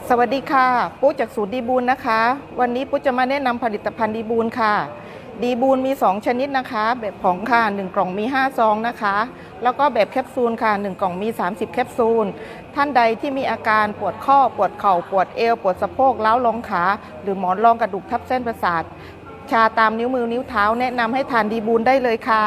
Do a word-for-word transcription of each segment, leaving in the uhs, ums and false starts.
สวัสดีค่ะปุ๊จากสูตรดีบูลนะคะวันนี้ปุ๊จะมาแนะนำผลิตภัณฑ์ดีบูลค่ะดีบูลมีสองชนิดนะคะแบบผงค่ะหนึ่งกล่องมีห้าซองนะคะแล้วก็แบบแคปซูลค่ะหนึ่งกล่องมีสามสิบแคปซูลท่านใดที่มีอาการปวดข้อปวดเข่าปวดเอวปวดสะโพกล้าวลงขาหรือหมอนรองกระดูกทับเส้นประสาทชาตามนิ้วมือนิ้วเท้าแนะนำให้ทานดีบูลได้เลยค่ะ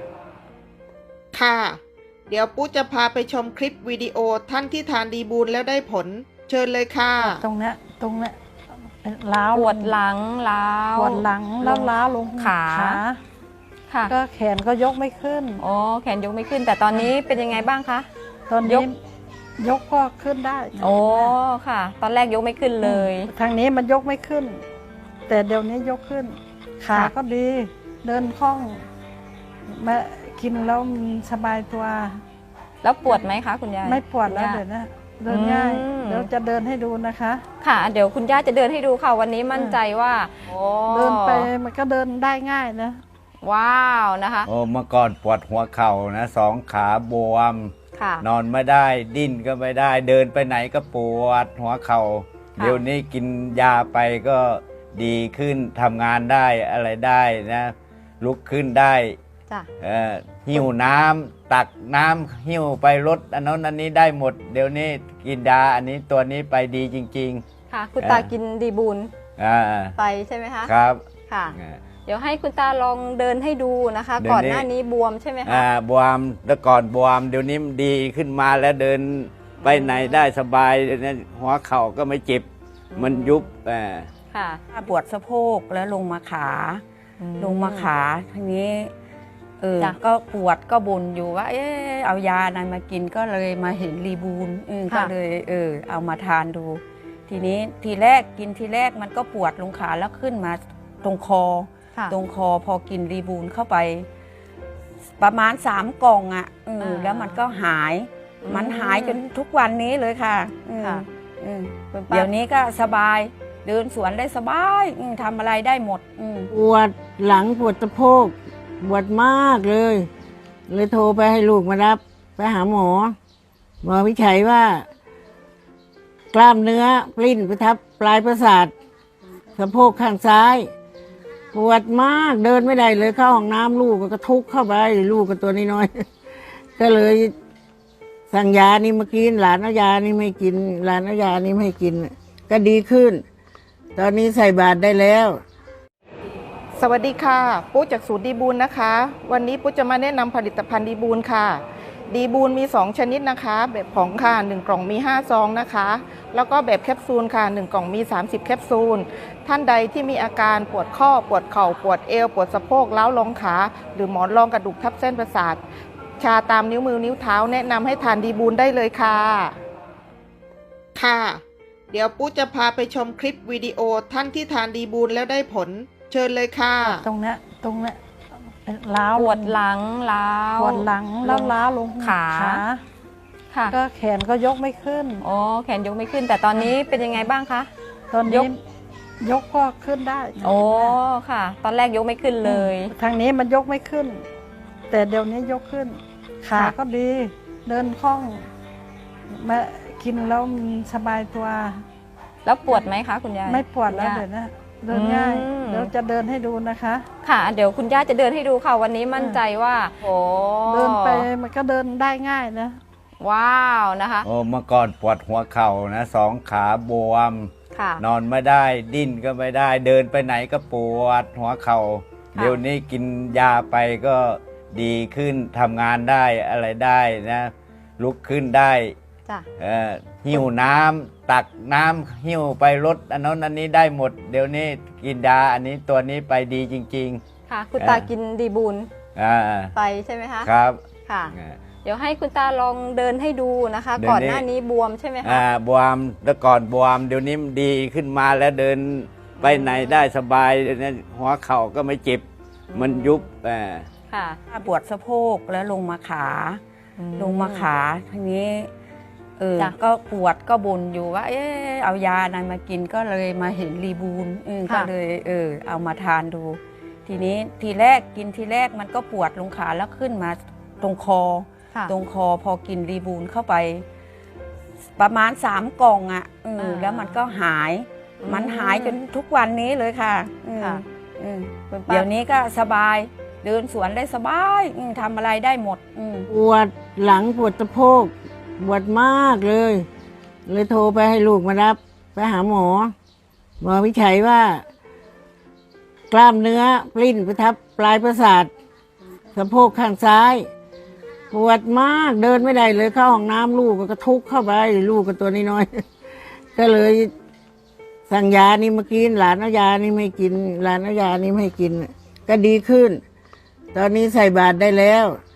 ค่ะเดี๋ยวปุ๊จะพาไปชมคลิปวิดีโอท่านที่ทานดีบูลแล้วได้ผลเชิญเลยค่ะตรงเนี้ยตรงเนี้ยล้าวปวดหลังล้าวปวดหลังแล้วล้าวลงขาค่ะก็แขนก็ยกไม่ขึ้นอ๋อแขนยกไม่ขึ้นแต่ตอนนี้เป็นยังไงบ้างคะตอนนี้ยกก็ขึ้นได้โอ้ค่ะ ตอนแรกยกไม่ขึ้นเลยทางนี้มันยกไม่ขึ้น แต่เดี๋ยวนี้ยกขึ้นขาก็ดีเดินคล่องมากินแล้วสบายตัวแล้วปวดไหมคะคุณยายไม่ปวดแล้วเดี๋ยวนะเดินง่ายเดี๋ยวจะเดินให้ดูนะคะค่ะเดี๋ยวคุณย่าจะเดินให้ดูค่ะวันนี้มั่นใจว่าเดินไปมันก็เดินได้ง่ายนะว้าวนะคะโอ้เมื่อก่อนปวดหัวเข่านะสองขาบวมนอนไม่ได้ดิ้นก็ไม่ได้เดินไปไหนก็ปวดหัวเข่าเดี๋ยวนี้กินยาไปก็ดีขึ้นทำงานได้อะไรได้นะลุกขึ้นได้หิวน้ำตักน้ำหิวไปรถอันนั้นอันนี้ได้หมดเดี๋ยวนี้กินยาอันนี้ตัวนี้ไปดีจริงๆค่ะคุณตากินดีบูลไปใช่ไหมคะครับค่ะเดี๋ยวให้คุณตาลองเดินให้ดูนะคะก่อนหน้านี้บวมใช่ไหมคะอ่าบวมแล้วก่อนบวมเดี๋ยวนี้ดีขึ้นมาแล้วเดินไปไหนได้สบายหัวเข่าก็ไม่เจ็บมันยุบอ่าค่ะปวดสะโพกแล้วลงมาขาลงมาขาทีนี้เออก็ปวดก็บ่นอยู่ว่าเออเอายาอะไรมากินก็เลยมาเห็นรีบูลก็เลยเออเอามาทานดูทีนี้ทีแรกกินทีแรกมันก็ปวดลงขาแล้วขึ้นมาตรงคอตรงคอพอกินรีบูลเข้าไปประมาณสามกล่องอ่ะแล้วมันก็หายมันหายจนทุกวันนี้เลยค่ะเดี๋ยวนี้ก็สบายเดินสวนได้สบายทำอะไรได้หมดปวดหลังปวดสะโพกปวดมากเลยเลยโทรไปให้ลูกมารับไปหาหมอหมอวิจัยว่ากล้ามเนื้อปลิ้นไปทับปลายประสาทสะโพกข้างซ้ายปวดมากเดินไม่ได้เลยเข้าห้องน้ำลูกก็ทุกเข้าไปลูกก็ตัวน้อยๆก็เลยสั่งยานี่มากินหลานเอายานี่ไม่กินหลานเอายานี่ไม่กินก็ดีขึ้นตอนนี้ใส่บาตรได้แล้วสวัสดีค่ะปุ๊จากสูตรดีบูลนะคะวันนี้ปุ๊จะมาแนะนำผลิตภัณฑ์ดีบูลค่ะดีบูลมีสองชนิดนะคะแบบผงค่ะหนึ่งกล่องมีห้าซองนะคะแล้วก็แบบแคปซูลค่ะหนึ่งกล่องมีสามสิบแคปซูลท่านใดที่มีอาการปวดข้อปวดเข่าปวดเอวปวดสะโพกล้าวลงขาหรือหมอนรองกระดูกทับเส้นประสาทชาตามนิ้วมือนิ้วเท้าแนะนำให้ทานดีบูลได้เลยค่ะค่ะเดี๋ยวปุ๊จะพาไปชมคลิปวิดีโอท่านที่ทานดีบูลแล้วได้ผลเชิญเลยค่ะตรงเนี้ยตรงเนี้ยล้าวปวดหลังล้าวปวดหลังแล้วล้าวลงขาค่ะก็แขนก็ยกไม่ขึ้นอ๋อแขนยกไม่ขึ้นแต่ตอนนี้เป็นยังไงบ้างคะตอนนี้ยกก็ขึ้นได้โอ้ค่ะตอนแรกยกไม่ขึ้นเลยทางนี้มันยกไม่ขึ้น แต่เดี๋ยวนี้ยกขึ้นขาก็ดีเดินคล่องมากินแล้วสบายตัวแล้วปวดไหมคะคุณยายไม่ปวดแล้วเดี๋ยวนะเดินง่ายเดี๋ยวจะเดินให้ดูนะคะค่ะเดี๋ยวคุณย่าจะเดินให้ดูค่ะวันนี้มั่นใจว่าโอ้เดินไปมันก็เดินได้ง่ายนะว้าวนะคะโอ้เมื่อก่อนปวดหัวเข่านะสองขาบวมนอนไม่ได้ดิ้นก็ไม่ได้เดินไปไหนก็ปวดหัวเข่าเดี๋ยวนี้กินยาไปก็ดีขึ้นทำงานได้อะไรได้นะลุกขึ้นได้หิวน้ำตักน้ำหิวไปรถอันนั้นอันนี้ได้หมดเดี๋ยวนี้กินยาอันนี้ตัวนี้ไปดีจริงๆค่ะคุณตากินดีบูลไปใช่ไหมคะครับค่ะเดี๋ยวให้คุณตาลองเดินให้ดูนะคะก่อนหน้านี้บวมใช่ไหมคะอ่าบวมแล้วก่อนบวมเดี๋ยวนี้ดีขึ้นมาแล้วเดินไปไหนได้สบายหัวเข่าก็ไม่เจ็บมันยุบอ่าค่ะปวดสะโพกแล้วลงมาขาลงมาขาทีนี้เออก็ปวดก็บ่นอยู่ว่าเออเอายาอะไรมากินก็เลยมาเห็นรีบูลก็เลยเออเอามาทานดูทีนี้ทีแรกกินทีแรกมันก็ปวดลงขาแล้วขึ้นมาตรงคอตรงคอพอกินรีบูลเข้าไปประมาณสามกล่องอ่ะเอออ่าแล้วมันก็หายอืมมันหายจนทุกวันนี้เลยค่ะอืมค่ะอืมคุณป้าเดี๋ยวนี้ก็สบายเดินสวนได้สบายอืมทำอะไรได้หมดอืมปวดหลังปวดสะโพกปวดมากเลย เลยโทรไปให้ลูกมารับ ไปหาหมอหมอวิจัยว่า กล้ามเนื้อปลิ้นไปทับปลายประสาทสะโพกข้างซ้าย ปวดมากเดินไม่ได้เลยเข้าห้องน้ำลูกก็ทุกข์เข้าไปลูกก็ตัวน้อยๆ ก็เลยสั่งยานี่มากินหลานเอายานี่ไม่กินหลานเอายานี่ไม่ให้กิน ก็ดีขึ้น ตอนนี้ใส่บาตรได้แล้ว